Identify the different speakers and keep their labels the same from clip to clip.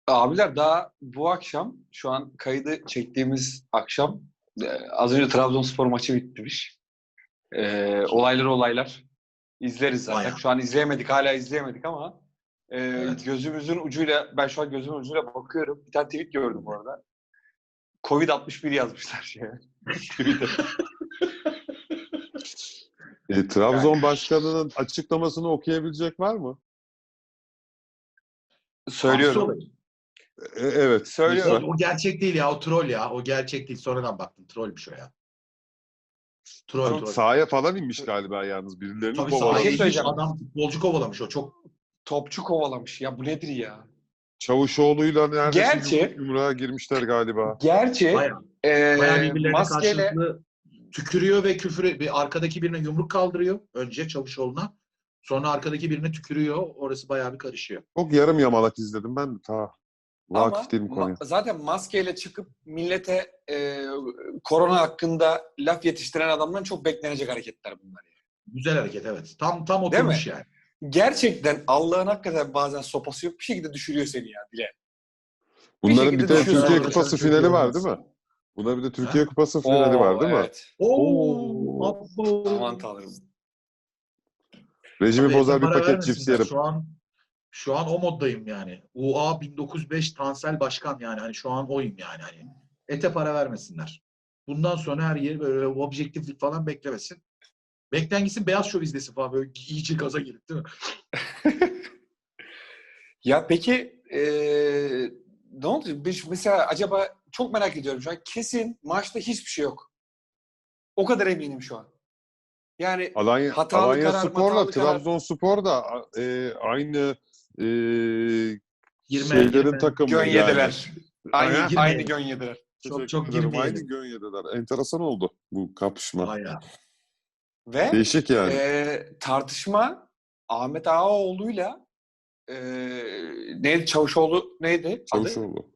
Speaker 1: Abiler daha bu akşam, şu an kaydı çektiğimiz akşam az önce Trabzonspor maçı bitmiş. Olaylar. İzleriz zaten.
Speaker 2: Bayağı.
Speaker 1: Şu an izleyemedik, hala izleyemedik ama
Speaker 2: Evet.
Speaker 1: gözümüzün ucuyla, ben şu an gözümün ucuyla bakıyorum. Bir tane tweet gördüm bu arada. Covid-61 yazmışlar şeye. Tweet'e.
Speaker 3: Trabzon başkanının açıklamasını okuyabilecek var mı?
Speaker 1: Söylüyorum.
Speaker 3: Evet.
Speaker 1: Söylüyorum.
Speaker 2: O gerçek değil ya. O troll ya. O gerçek değil. Sonradan baktım. Trollmüş o ya. Troll.
Speaker 3: Sahaya falan inmiş galiba yalnız. Birilerini
Speaker 2: Tabii
Speaker 1: Bir
Speaker 2: sahaya
Speaker 1: şey
Speaker 2: inmiş
Speaker 1: söyleyeceğim.
Speaker 2: adam futbolcu kovalamış o. Çok
Speaker 1: Topçu kovalamış. Ya bu nedir ya?
Speaker 3: Çavuşoğlu'yla neredeyse
Speaker 1: Gerçi-
Speaker 3: yumruğa girmişler galiba.
Speaker 1: Gerçi
Speaker 2: bayağı birbirlerine
Speaker 1: maskeyle
Speaker 2: karşılıklı tükürüyor ve bir arkadaki birine yumruk kaldırıyor. Önce Çavuşoğlu'na. Sonra arkadaki birine tükürüyor. Orası bayağı bir karışıyor.
Speaker 3: Çok yarım yamalak izledim ben de ta.
Speaker 1: ama
Speaker 3: Vakıf değilim konuya.
Speaker 1: zaten maskeyle çıkıp millete korona hakkında laf yetiştiren adamdan çok beklenecek hareketler bunlar. Yani.
Speaker 2: Güzel hareket evet. Tam
Speaker 1: Değil
Speaker 2: oturmuş
Speaker 1: mi?
Speaker 2: yani.
Speaker 1: Gerçekten Allah'ın hakikaten bazen sopası yok. Bir şekilde düşürüyor seni ya dile.
Speaker 3: Bunların bir
Speaker 1: şekilde
Speaker 3: de
Speaker 1: düşüyorsun.
Speaker 3: Türkiye
Speaker 2: Sonra
Speaker 3: Kupası
Speaker 2: şöyle
Speaker 3: finali var
Speaker 2: olmaz.
Speaker 3: değil mi? Bunların bir de Türkiye Kupası finali var değil mi?
Speaker 1: Evet.
Speaker 2: Abo.
Speaker 1: Aman tanrım.
Speaker 3: Rejimi
Speaker 2: Tabii,
Speaker 3: bozar bir
Speaker 2: para
Speaker 3: paket cips
Speaker 2: vermesinler.
Speaker 3: yerim.
Speaker 2: Şu an o moddayım yani. UA 1905 Tansel Başkan yani. Hani şu an oyum yani. Hani ete para vermesinler. Bundan sonra her yeri böyle objektiflik falan beklemesin. Beklen gitsin Beyaz Şov izlesin falan. Böyle iyice gaza girip değil mi?
Speaker 1: Ya peki ne oldu? Mesela acaba çok merak ediyorum şu an. Kesin maçta hiçbir şey yok. O kadar eminim şu an. Yani hatalı
Speaker 3: Alanya
Speaker 1: karar,
Speaker 3: Spor'la
Speaker 1: hatalı karar.
Speaker 3: Trabzonspor da aynı
Speaker 2: 20
Speaker 3: şeylerin takımı
Speaker 1: Gön
Speaker 3: yani.
Speaker 1: yediler.
Speaker 3: Aynen.
Speaker 1: Aynı gön yediler.
Speaker 2: Çok
Speaker 3: Teşekkür ederim.
Speaker 2: girmeyelim.
Speaker 3: Aynı gön yediler. Enteresan oldu bu kapışma.
Speaker 2: Bayağı.
Speaker 1: Ve
Speaker 3: Değişik yani.
Speaker 1: tartışma Ahmet Ağaoğlu'yla neydi? Çavuşoğlu neydi? Adı?
Speaker 3: Çavuşoğlu.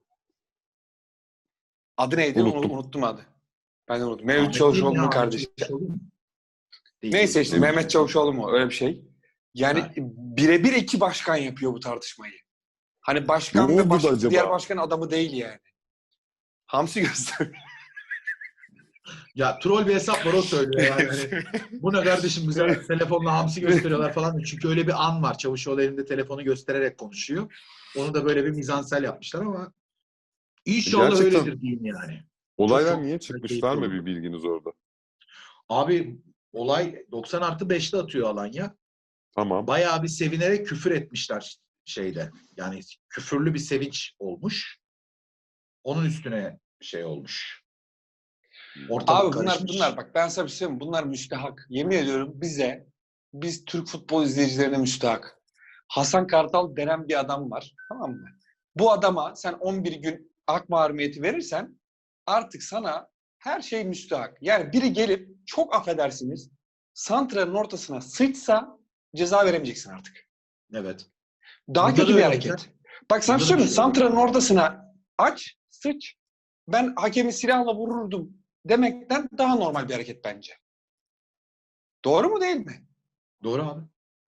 Speaker 1: Adı neydi?
Speaker 3: Unuttum.
Speaker 1: Unuttum adı. Ben de unuttum. Mevlüt
Speaker 2: Ahmet değil mi
Speaker 1: Çavuşoğlu'nun
Speaker 2: ya?
Speaker 1: kardeşi.
Speaker 2: Çavuşoğlu mu? Değil,
Speaker 1: Neyse
Speaker 2: değil.
Speaker 1: işte Mehmet Çavuşoğlu mu? Öyle bir şey. Yani
Speaker 2: Evet.
Speaker 1: birebir iki başkan yapıyor bu tartışmayı. Hani başkan
Speaker 3: Ne
Speaker 1: ve
Speaker 3: oldu da acaba?
Speaker 1: diğer başkan adamı değil yani. Hamsi gösteriyor.
Speaker 2: Ya troll bir hesap var o söylüyor yani. Hani, bu ne kardeşim bize telefonla hamsi gösteriyorlar falan. Çünkü öyle bir an var. Çavuşoğlu elinde telefonu göstererek konuşuyor. Onu da böyle bir mizansel yapmışlar ama inşallah
Speaker 3: Gerçekten
Speaker 2: öyledir diyeyim yani.
Speaker 3: Olaylar
Speaker 2: Çok
Speaker 3: niye çıkmış? Var mı
Speaker 2: keyifli
Speaker 3: bir bilginiz orada?
Speaker 2: Abi olay 90+5'te atıyor Alanya.
Speaker 3: Tamam.
Speaker 2: Bayağı bir sevinerek küfür etmişler şeyde. Yani küfürlü bir sevinç olmuş. Onun üstüne şey olmuş. Ortalık
Speaker 1: Abi
Speaker 2: karışmış.
Speaker 1: bunlar bak ben sana bir şey söyleyeyim mi? Bunlar müstehak. Yemin ediyorum biz Türk futbol izleyicilerine müstehak. Hasan Kartal denen bir adam var. Tamam mı? Bu adama sen 11 gün hak mahrumiyeti verirsen artık sana her şey müstehak. Yani biri gelip çok affedersiniz santranın ortasına sıçsa ceza veremeyeceksin artık.
Speaker 2: Evet.
Speaker 1: Daha
Speaker 2: Burada
Speaker 1: kötü
Speaker 2: da
Speaker 1: bir
Speaker 2: öyle
Speaker 1: hareket.
Speaker 2: olacak.
Speaker 1: Bak sana
Speaker 2: Burada da
Speaker 1: söyleyeyim
Speaker 2: bir şey olacak.
Speaker 1: santranın ortasına aç, sıç. Ben hakemi silahla vururdum demekten daha normal bir hareket bence. Doğru mu değil mi?
Speaker 2: Doğru abi.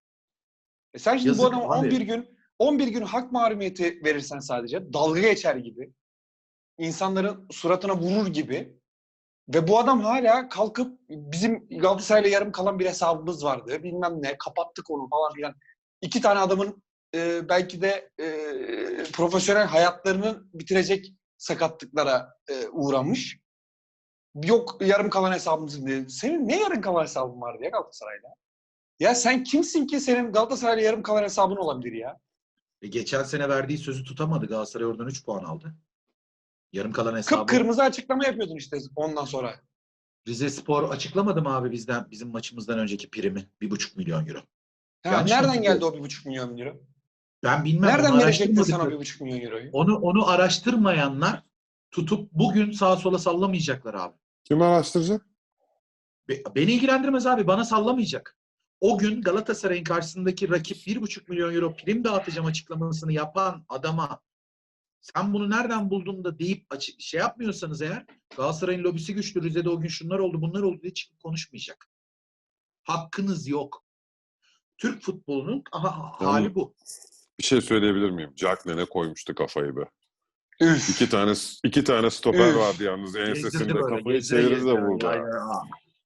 Speaker 1: Sen şimdi bu
Speaker 2: Yazık
Speaker 1: adama
Speaker 2: abi.
Speaker 1: 11 gün hak mahrumiyeti verirsen sadece dalga geçer gibi, insanların suratına vurur gibi ve bu adam hala kalkıp bizim Galatasaray'la yarım kalan bir hesabımız vardı. Bilmem ne kapattık onu falan filan. 2 tane adamın belki de profesyonel hayatlarını bitirecek sakatlıklara uğramış. Yok yarım kalan hesabımız diye. Senin ne yarım kalan hesabın vardı ya Galatasaray'la? Ya sen kimsin ki senin Galatasaray'la yarım kalan hesabın olabilir ya?
Speaker 2: Geçen sene verdiği sözü tutamadı. Galatasaray oradan 3 puan aldı. Yarım kalan hesabı.
Speaker 1: Kıpkırmızı açıklama yapıyordun işte ondan sonra.
Speaker 2: Rizespor açıklamadı mı abi bizim maçımızdan önceki primi? 1,5 milyon euro.
Speaker 1: Ha,
Speaker 2: Yanlış mı
Speaker 1: nereden geldi
Speaker 2: hatırlıyorum?
Speaker 1: o 1,5 milyon euro?
Speaker 2: Ben bilmem.
Speaker 1: Nereden
Speaker 2: Onu
Speaker 1: verecektin sen o
Speaker 2: araştırmadık.
Speaker 1: 1,5 milyon euroyu?
Speaker 2: Onu araştırmayanlar tutup bugün sağa sola sallamayacaklar abi.
Speaker 3: Kim araştıracak?
Speaker 2: Beni ilgilendirmez abi. Bana sallamayacak. O gün Galatasaray'ın karşısındaki rakip 1,5 milyon euro prim dağıtacağım açıklamasını yapan adama sen bunu nereden buldun da deyip şey yapmıyorsanız eğer Galatasaray'ın lobisi güçlü. Rize'de o gün şunlar oldu bunlar oldu diye çıkıp konuşmayacak. Hakkınız yok. Türk futbolunun hali bu.
Speaker 3: Bir şey söyleyebilir miyim? Jack ne koymuştu kafayı be.
Speaker 1: Üf.
Speaker 3: İki tane stoper
Speaker 1: Üf.
Speaker 3: vardı yalnız.
Speaker 2: Gezdirdi
Speaker 3: Ensesinde
Speaker 2: böyle.
Speaker 3: kafayı
Speaker 2: Gezdire
Speaker 3: çevirdi de
Speaker 2: gezdire.
Speaker 3: vurdu.
Speaker 2: Ya,
Speaker 3: ha.
Speaker 2: ya.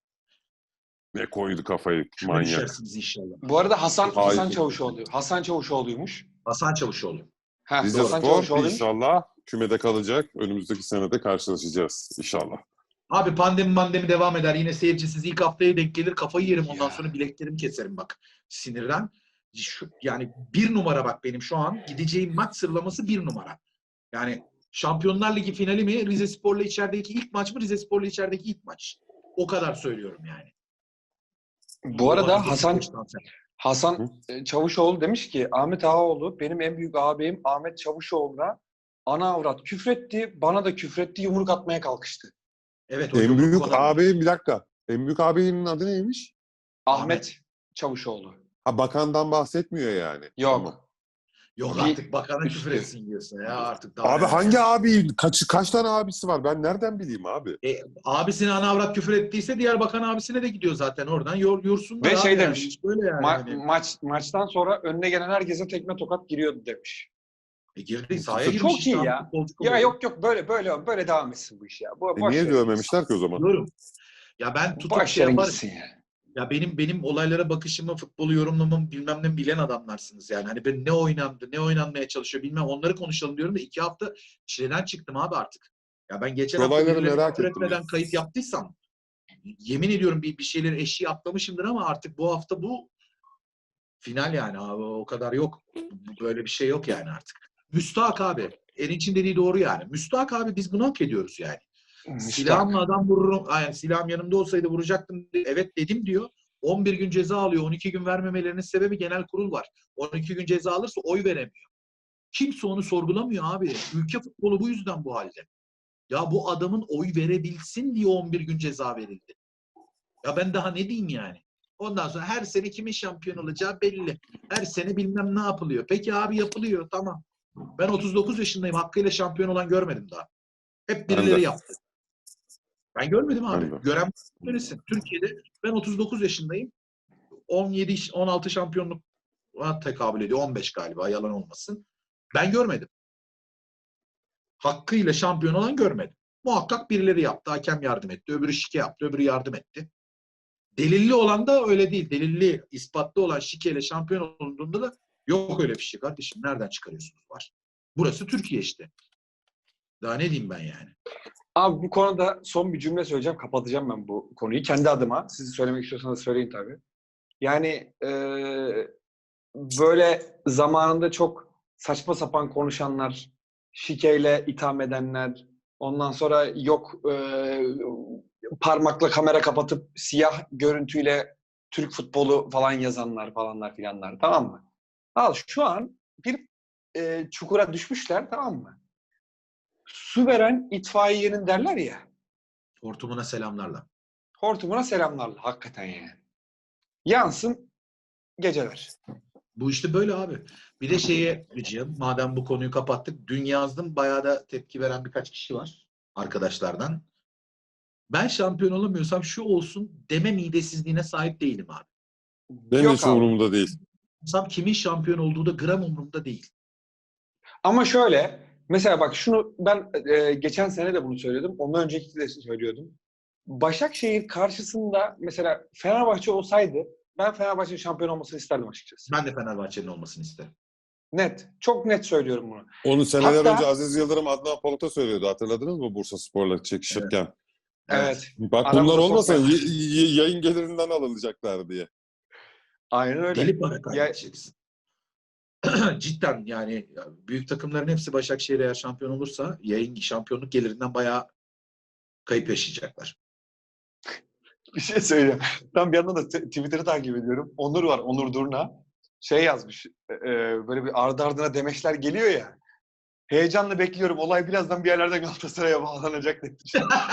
Speaker 3: Ne koydu kafayı
Speaker 2: Küme
Speaker 3: manyak.
Speaker 2: düşersiniz inşallah.
Speaker 1: Bu arada Hasan
Speaker 3: Hayır.
Speaker 1: Çavuşoğlu. Hasan Çavuşoğlu'ymuş.
Speaker 2: Hasan Çavuşoğlu.
Speaker 1: Heh,
Speaker 3: Rize
Speaker 1: Hasan
Speaker 3: Spor
Speaker 1: Çavuşoğlu'ymuş.
Speaker 3: inşallah kümede kalacak. Önümüzdeki senede karşılaşacağız inşallah.
Speaker 2: Abi pandemi devam eder. Yine seyircisiz ilk haftaya denk gelir. Kafayı yerim. Ondan
Speaker 1: Ya.
Speaker 2: sonra bileklerimi keserim bak. Sinirden. Yani bir numara bak benim şu an. Gideceğim maç sıralaması bir numara. Yani Şampiyonlar Ligi finali mi? Rizespor'la içerideki ilk maç mı? Rizespor'la içerideki ilk maç. O kadar söylüyorum yani.
Speaker 1: Bu arada Hasan
Speaker 3: Hı?
Speaker 1: Çavuşoğlu demiş ki Ahmet Ağaoğlu benim en büyük ağabeyim Ahmet Çavuşoğlu'na ana avrat küfretti. Bana da küfretti. Yumruk atmaya kalkıştı.
Speaker 2: Evet, o
Speaker 3: En
Speaker 2: yumruk
Speaker 3: büyük
Speaker 2: falan.
Speaker 3: ağabeyim bir dakika. En büyük ağabeyinin adı neymiş?
Speaker 1: Ahmet Çavuşoğlu.
Speaker 3: Ha, bakandan bahsetmiyor yani.
Speaker 1: Yok.
Speaker 3: Tamam.
Speaker 2: Yok
Speaker 1: Bir
Speaker 2: artık bakana
Speaker 1: üstü.
Speaker 2: küfür etsin diyorsun ya artık. Daha
Speaker 3: Abi
Speaker 2: neler
Speaker 3: hangi
Speaker 2: yani.
Speaker 3: abi? Kaç tane abisi var? Ben nereden bileyim abi?
Speaker 2: Abisine ana avrat küfür ettiyse diğer bakan abisine de gidiyor zaten oradan. Yorsunlar
Speaker 1: Ve
Speaker 2: abi
Speaker 1: şey
Speaker 2: yani.
Speaker 1: demiş.
Speaker 2: Böyle yani. Hani.
Speaker 1: Maçtan sonra önüne gelen herkese tekme tokat giriyordu demiş.
Speaker 2: Girdi sahaya
Speaker 3: Çok
Speaker 2: girmiş
Speaker 1: Çok
Speaker 2: işte
Speaker 1: iyi
Speaker 2: abi,
Speaker 1: ya.
Speaker 2: futbolcu
Speaker 1: Ya
Speaker 2: oluyor.
Speaker 1: yok böyle devam etsin bu iş ya. Boş
Speaker 3: Niye
Speaker 1: verin
Speaker 3: dövmemişler ki o zaman?
Speaker 2: Diyorum. Ya ben
Speaker 1: gitsin.
Speaker 2: tutup
Speaker 1: Boş
Speaker 2: şey
Speaker 1: verin
Speaker 2: yaparım.
Speaker 1: gitsin ya.
Speaker 2: Ya benim olaylara bakışımı, futbolu yorumlamamı bilmem ne bilen adamlarsınız yani. Hani ben ne oynandı, ne oynanmaya çalışıyor bilmem onları konuşalım diyorum da 2 hafta çileden çıktım abi artık. Ya ben geçen hafta
Speaker 3: Olayları
Speaker 2: birilerine
Speaker 3: merak
Speaker 2: küfür
Speaker 3: ettim
Speaker 2: etmeden kayıt yaptıysam yemin ediyorum bir şeyleri eşiği atlamışımdır ama artık bu hafta bu final yani abi o kadar yok. Böyle bir şey yok yani artık. Müstahak abi. Erinç'in dediği doğru yani. Müstahak abi biz bunu hak ediyoruz yani. Silahımla adam vururum. Yani silahım yanımda olsaydı vuracaktım. Evet dedim diyor. 11 gün ceza alıyor. 12 gün vermemelerinin sebebi genel kurul var. 12 gün ceza alırsa oy veremiyor. Kimse onu sorgulamıyor abi. Ülke futbolu bu yüzden bu halde. Ya bu adamın oy verebilsin diye 11 gün ceza verildi. Ya ben daha ne diyeyim yani? Ondan sonra her sene kimin şampiyon olacağı belli. Her sene bilmem ne yapılıyor. Peki abi yapılıyor tamam. Ben 39 yaşındayım. Hakkıyla şampiyon olan görmedim daha. Hep
Speaker 3: Ben
Speaker 2: birileri
Speaker 3: de.
Speaker 2: yaptı. Ben görmedim abi.
Speaker 3: Ben de.
Speaker 2: Gören söylesin. Türkiye'de ben 39 yaşındayım. 16 şampiyonluk tekabül ediyor. 15 galiba yalan olmasın. Ben görmedim. Hakkıyla şampiyon olan görmedim. Muhakkak birileri yaptı. Hakem yardım etti. Öbürü şike yaptı. Öbürü yardım etti. Delilli olan da öyle değil. Delilli, ispatlı olan şikeyle şampiyon olduğunda da yok öyle bir şey kardeşim. Nereden çıkarıyorsunuz var. Burası Türkiye işte. Daha ne diyeyim ben yani.
Speaker 1: Abi bu konuda son bir cümle söyleyeceğim. Kapatacağım ben bu konuyu. Kendi adıma. Siz söylemek istiyorsanız söyleyin tabii. Yani böyle zamanında çok saçma sapan konuşanlar, şikeyle itham edenler, ondan sonra yok parmakla kamera kapatıp siyah görüntüyle Türk futbolu falan yazanlar falanlar filanlar, tamam mı? Al şu an bir çukura düşmüşler, tamam mı? Su veren itfaiyenin derler ya,
Speaker 2: Hortumuna selamlarla.
Speaker 1: hortumuna selamlarla hakikaten yani. Yansın geceler.
Speaker 2: Bu işte böyle abi. Bir de şeye diyeceğim. Madem bu konuyu kapattık. Dün yazdım. Bayağı da tepki veren birkaç kişi var. Arkadaşlardan. Ben şampiyon olamıyorsam şu olsun deme midesizliğine sahip değilim abi.
Speaker 3: Benim
Speaker 1: Yok
Speaker 3: hiç
Speaker 1: abi.
Speaker 3: umurumda değil.
Speaker 2: Kimin şampiyon olduğu da gram umurumda değil.
Speaker 1: Ama şöyle, mesela bak şunu ben geçen sene de bunu söyledim. Ondan önceki de söylüyordum. Başakşehir karşısında mesela Fenerbahçe olsaydı ben Fenerbahçe'nin şampiyon olmasını isterdim açıkçası.
Speaker 2: Ben de Fenerbahçe'nin olmasını isterim.
Speaker 1: Net. Çok net söylüyorum bunu.
Speaker 3: Onu seneler
Speaker 1: Hatta-
Speaker 3: önce Aziz Yıldırım Adnan Polat'a söylüyordu. Hatırladınız mı Bursaspor'la çekişirken?
Speaker 1: Evet.
Speaker 3: Bak
Speaker 1: Aramıza
Speaker 3: bunlar olmasa
Speaker 1: sokmayın.
Speaker 3: yayın gelirinden alınacaklar diye.
Speaker 1: Aynen öyle.
Speaker 2: Gelip para kaybedeceksin. Cidden yani büyük takımların hepsi Başakşehir eğer şampiyon olursa yayın şampiyonluk gelirinden bayağı kayıp yaşayacaklar.
Speaker 1: Bir şey söyleyeyim. Ben bir yandan da Twitter'ı takip ediyorum. Onur var, Onur Durna. Şey yazmış, böyle bir ardı ardına demeçler geliyor ya. Heyecanla bekliyorum. Olay birazdan bir yerlerden Galatasaray'a bağlanacak demiş.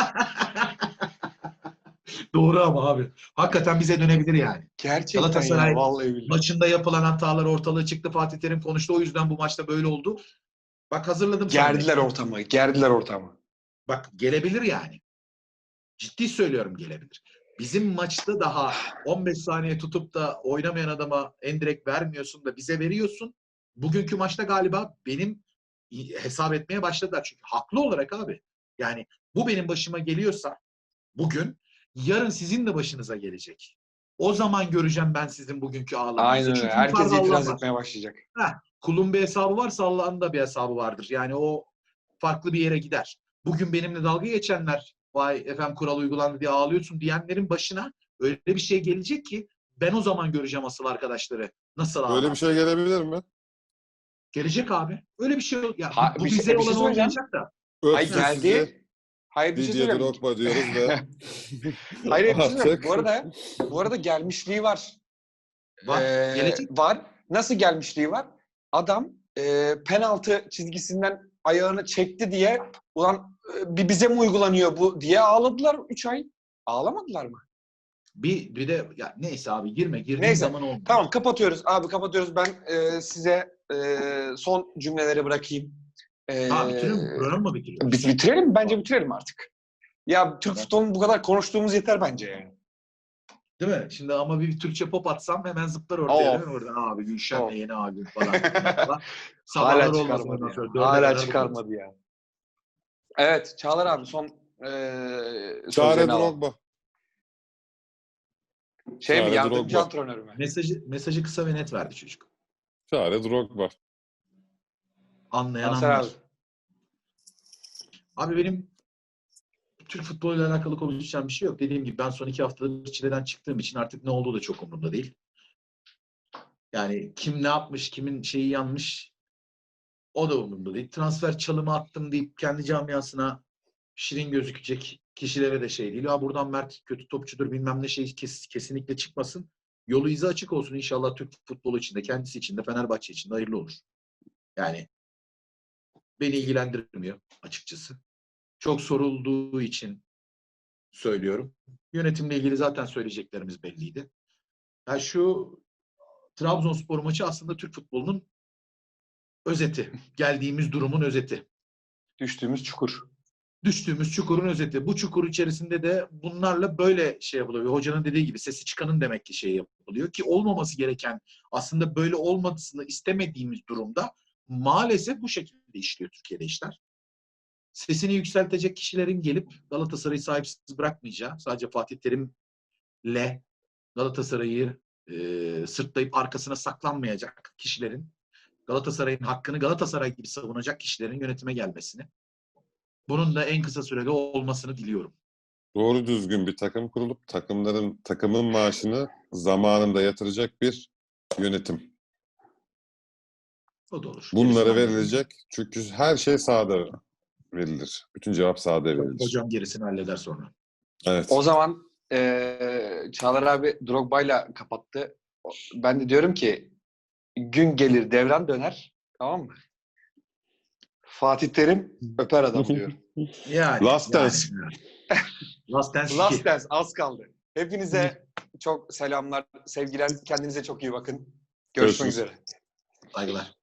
Speaker 2: Doğru ama abi. Hakikaten bize dönebilir yani.
Speaker 1: Gerçekten
Speaker 2: Galatasaray
Speaker 1: ya, vallahi billahi.
Speaker 2: maçında yapılan hatalar ortalığı çıktı. Fatih Terim konuştu. O yüzden bu maçta böyle oldu. Bak hazırladım sana.
Speaker 1: Gerdiler ortamı.
Speaker 2: Bak gelebilir yani. Ciddi söylüyorum gelebilir. Bizim maçta daha 15 saniye tutup da oynamayan adama endirekt vermiyorsun da bize veriyorsun. bugünkü maçta galiba benim hesap etmeye başladılar. Çünkü haklı olarak abi. Yani bu benim başıma geliyorsa bugün, yarın sizin de başınıza gelecek. O zaman göreceğim ben sizin bugünkü ağlamanızı.
Speaker 1: Aynen öyle.
Speaker 2: Çünkü
Speaker 1: Herkes
Speaker 2: yukarıda Allah
Speaker 1: itiraz
Speaker 2: var.
Speaker 1: etmeye başlayacak.
Speaker 2: Kulun bir hesabı varsa Allah'ın da bir hesabı vardır. Yani o farklı bir yere gider. Bugün benimle dalga geçenler, vay efendim kural uygulandı diye ağlıyorsun diyenlerin başına öyle bir şey gelecek ki ben o zaman göreceğim asıl arkadaşları. Nasıl ağlar?
Speaker 3: Böyle bir şey gelebilir mi?
Speaker 2: Gelecek abi. Öyle bir şey yok. Ya, bu
Speaker 1: Bir şey-
Speaker 2: bize
Speaker 1: bir şey
Speaker 2: olan
Speaker 1: söyleyeceğim.
Speaker 2: olmayacak da.
Speaker 1: Ay
Speaker 3: Öpsün sizi.
Speaker 1: geldi. Hayır bir şey
Speaker 3: Didier
Speaker 1: söyleyeyim.
Speaker 3: Drogba diyoruz ve
Speaker 1: Hayır bir şey söyleyeyim.
Speaker 3: artık
Speaker 1: Bu arada gelmişliği var.
Speaker 2: Var. Gelecek.
Speaker 1: Var. Nasıl gelmişliği var? Adam penaltı çizgisinden ayağını çekti diye ulan bir bize mi uygulanıyor bu diye ağladılar 3 ay. Ağlamadılar mı?
Speaker 2: Bir de ya neyse abi girdiğin
Speaker 1: Neyse.
Speaker 2: zaman olmuyor.
Speaker 1: Tamam kapatıyoruz. Abi kapatıyoruz. Ben size son cümleleri bırakayım.
Speaker 2: Bitirelim mi? Program mı bitiriyoruz?
Speaker 1: Biz bitirelim. Bence bitirelim artık. Ya Türk futbolunu bu kadar konuştuğumuz yeter bence yani.
Speaker 2: Değil mi? Şimdi ama bir Türkçe pop atsam hemen zıplar ortaya değil mi? Oradan abi Gülşen'le yeni albüm falan. Sabahlar
Speaker 1: Hala
Speaker 2: olmaz
Speaker 1: çıkarmadı
Speaker 2: ondan
Speaker 1: ya.
Speaker 2: sonra. Dörde
Speaker 1: Hala
Speaker 2: kadar
Speaker 1: çıkarmadı ya. Evet Çağlar abi son
Speaker 3: Çare
Speaker 1: sözlerini alalım.
Speaker 3: Drogba.
Speaker 1: Şey mi
Speaker 3: Çare
Speaker 1: yardımcı
Speaker 3: Drogba.
Speaker 1: antrenör mü?
Speaker 2: Mesajı kısa ve net verdi çocuk.
Speaker 3: Çare Drogba.
Speaker 2: Anlayan
Speaker 1: Nasır
Speaker 2: anlar.
Speaker 1: abi.
Speaker 2: Abi benim Türk futboluyla alakalı konuşacağım bir şey yok. Dediğim gibi ben son 2 haftadır çileden çıktığım için artık ne olduğu da çok umurumda değil. Yani kim ne yapmış, kimin şeyi yanmış o da umurumda değil. Transfer çalımı attım deyip kendi camiasına şirin gözükecek kişilere de şey değil. Ya buradan Mert kötü topçudur bilmem ne şey kesinlikle çıkmasın. Yolu izi açık olsun inşallah Türk futbolu için de kendisi için de Fenerbahçe için de hayırlı olur. Yani beni ilgilendirmiyor açıkçası. Çok sorulduğu için söylüyorum. Yönetimle ilgili zaten söyleyeceklerimiz belliydi. Yani şu Trabzonspor maçı aslında Türk futbolunun özeti. Geldiğimiz durumun özeti.
Speaker 1: Düştüğümüz çukur.
Speaker 2: Düştüğümüz çukurun özeti. Bu çukur içerisinde de bunlarla böyle şey yapılıyor. Hocanın dediği gibi sesi çıkanın demek ki şey yapılıyor ki olmaması gereken aslında böyle olmasını istemediğimiz durumda maalesef bu şekilde işliyor Türkiye'de işler. Sesini yükseltecek kişilerin gelip Galatasaray'ı sahipsiz bırakmayacağı, sadece Fatih Terim'le Galatasaray'ı sırtlayıp arkasına saklanmayacak kişilerin, Galatasaray'ın hakkını Galatasaray gibi savunacak kişilerin yönetime gelmesini, bunun da en kısa sürede olmasını diliyorum.
Speaker 3: Doğru düzgün bir takım kurulup takımın maaşını zamanında yatıracak bir yönetim.
Speaker 2: O da olur.
Speaker 3: Bunlara
Speaker 2: Gerisini
Speaker 3: verilecek. Çünkü her şey sahada verilir. Bütün cevap sahada verilir.
Speaker 2: hocam gerisini halleder sonra.
Speaker 3: Evet.
Speaker 1: O zaman Çağlar abi Drogba'yla kapattı. Ben de diyorum ki gün gelir devran döner. Tamam mı? Fatih Terim öper adam diyorum.
Speaker 2: Yani.
Speaker 3: Last Dance.
Speaker 2: Last Dance 2.
Speaker 1: Last Dance az kaldı. Hepinize çok selamlar, sevgiler. Kendinize çok iyi bakın. Görüşmek
Speaker 3: Görüşürüz.
Speaker 1: üzere.
Speaker 2: Saygılar.